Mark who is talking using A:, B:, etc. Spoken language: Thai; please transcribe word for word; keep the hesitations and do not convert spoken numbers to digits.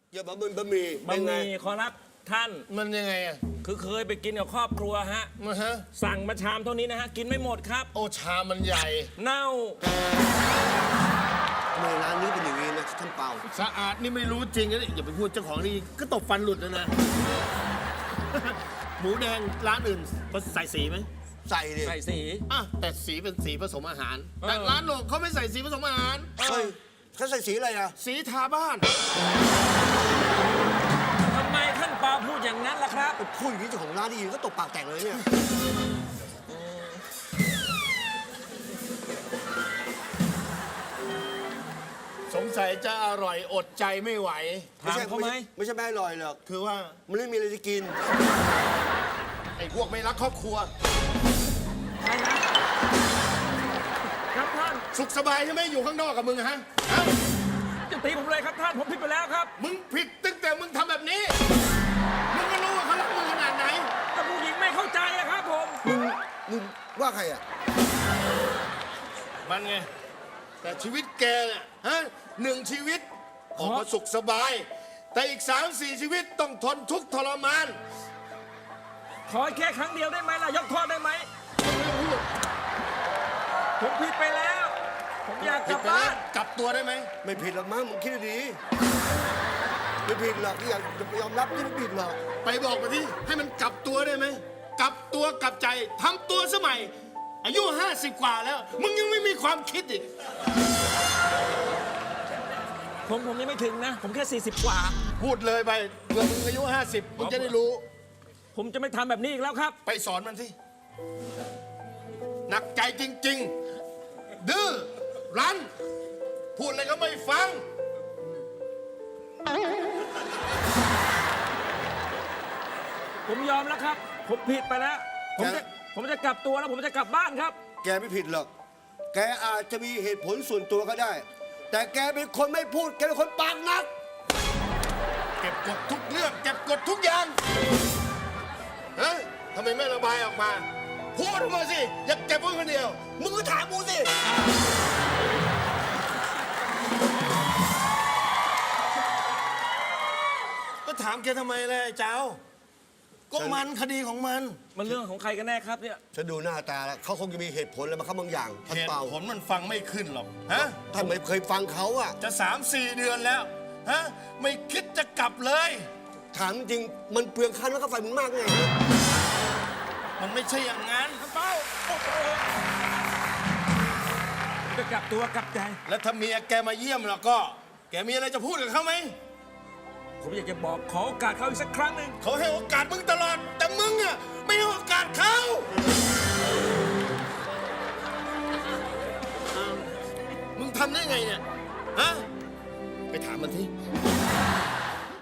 A: เกี่ยวกับบะหมี่
B: บะหมี่ขอรับท่าน
C: มันยังไงอ่ะ
B: คือเคยไปกินกับครอบครัวฮะ
C: มาฮะ
B: สั่งมาชามเท่านี้นะฮะ กินไม่หมดครับ
C: โอชามันใหญ่
B: เน่า
A: ทำไมร้านนี้เป็นอย่างนี้นะท่านเปา
C: สะอาดนี่ไม่รู้จริงนะนี่อย่าไปพูดเจ้าของนี่ก็ตบฟันหลุดแล้วนะ หมูแดงร้านอื่นเขาใส่สีไหม
A: ใส่ดิ
B: ใส่สี
C: อ่ะแต่สีเป็นสีผสมอาหาร
B: เออ
C: แต่ร้านโหนกเขาไม่ใส่สีผสมอาหาร
A: เฮ้ยเขาใส่สีอะไรอ่ะ
C: สีทาบ้าน
B: ทำไมท่านเปาพูดอย่างนั้นล่ะครับ
A: พูดอย่างนี้เจ้าของร้านได้ยินก็ตบปากแตกเลยเนี่ย
C: สงสัยจะอร่อยอดใจไม่ไหว
B: ถามเขาไหม
A: ไม่ใช่ไม่อร่อยหรอก
C: คือว่า
A: มันไม่มีอะไรจะกิน
C: ไอ้พวกไม่รักครอบครัว
B: ครับท่าน
C: สุขสบายใช่ไหมอยู่ข้างนอกกับมึงอะฮะฮะ
B: จะตีผมเลยครับท่าน ผมผิดไปแล้วครับ
C: มึงผิดตั้งแต่มึงทำแบบนี้ มึงก็รู้ว่าเขารักมึงขนาดไหน
B: แต่ผู้หญิงไม่เข้าใจอะครับผม
A: มึงมึงว่าใครอ่ะ
C: มันไง แต่ชีวิตแกเนี่ยฮะหนึ่งชีวิตออกมาสุขสบาย แต่อีกสามสี่ชีวิตต้องทนทุกข์ทรมาน
B: ขอแค่ครั้งเดียวได้ไหมล่ะ ยกโทษได้ไหม ผมผิดไปแล้ว ผมอยากก
C: ผิ
B: ลั
C: ด
B: บ
C: ไป
B: บ้า
C: แล้ว
B: น
C: กลับตัวได้ไหม
A: ไม่ผิดหรอกมั้งมึงคิดดีๆไม่ผิดหรอกที่อยากจะยอมรับที่ไม่ผิดหรอก
C: ไปบอกมาที่ให้มันกลับตัวได้ไหมกลับตัวกลับใจทำตัวสมัย อายุห้าสิบกว่าแล้ว มึงยังไม่มีความคิดอีก
B: ผมผมยังไม่ถึงนะ ผมแค่สี่สิบกว่า
C: พูดเลยไปเมื่อมึงอายุห้าสิบมึงจะได้รู้
B: ผมจะไม่ทำแบบนี้อีกแล้วครับ
C: ไปสอนมันที่หนักใจจริง ๆ ดื้อรั้น พูดอะไรก็ไม่ฟัง
B: ผมยอมแล้วครับ ผมผิดไปแล้ว ผมจะผมจะกลับตัวแล้วผมจะกลับบ้านครับ
A: แกไม่ผิดหรอก แกอาจจะมีเหตุผลส่วนตัวก็ได้ แต่แกเป็นคนไม่พูด แกเป็นคนปากหนัก
C: เก็บกดทุกเรื่องเก็บกดทุกอย่างฮะทำไมไม่ระบายออกมา พูดออกมาสิ อย่าเก็บไว้คนเดียว
A: มึงก็ถามกูสิ
C: ก็ถามแกทำไมเลยไอ้เจ้า ก็มันคดีของมัน
B: มันเรื่องของใครกันแน่ครับเนี่ย
A: ฉันดูหน้าตาแล้วเขาคงจะมีเหตุผลอะไรมาครับบางอย่างท่าน
C: เหตุ
A: เปา
C: ผลมันฟังไม่ขึ้นหรอก ฮะ
A: ท่านไม่เคยฟังเขาอ่ะ
C: จะสามสี่เดือนแล้ว ฮะ ไม่คิดจะกลับเลย
A: ถามจริงมันเปลืองค่าน้ำค่าไฟมึงมากไง
C: มันไม่ใช่อย่างนั้น
B: เป้าโอ้โหจะกลับตัวกลับใจ
C: แล้วถ้าเมียแกมาเยี่ยมแล้วก็ แกมีอะไรจะพูดกับเขาไหม
B: ผมอยากจะบอกขอโอกาสเขาอีกสักครั้งหนึ่ง
C: เขาให้โอกาสมึงตลอด แต่มึงอ่ะไม่ให้โอกาสเขามึงทำได้ไงเนี่ย ฮะ ไปถามมันที่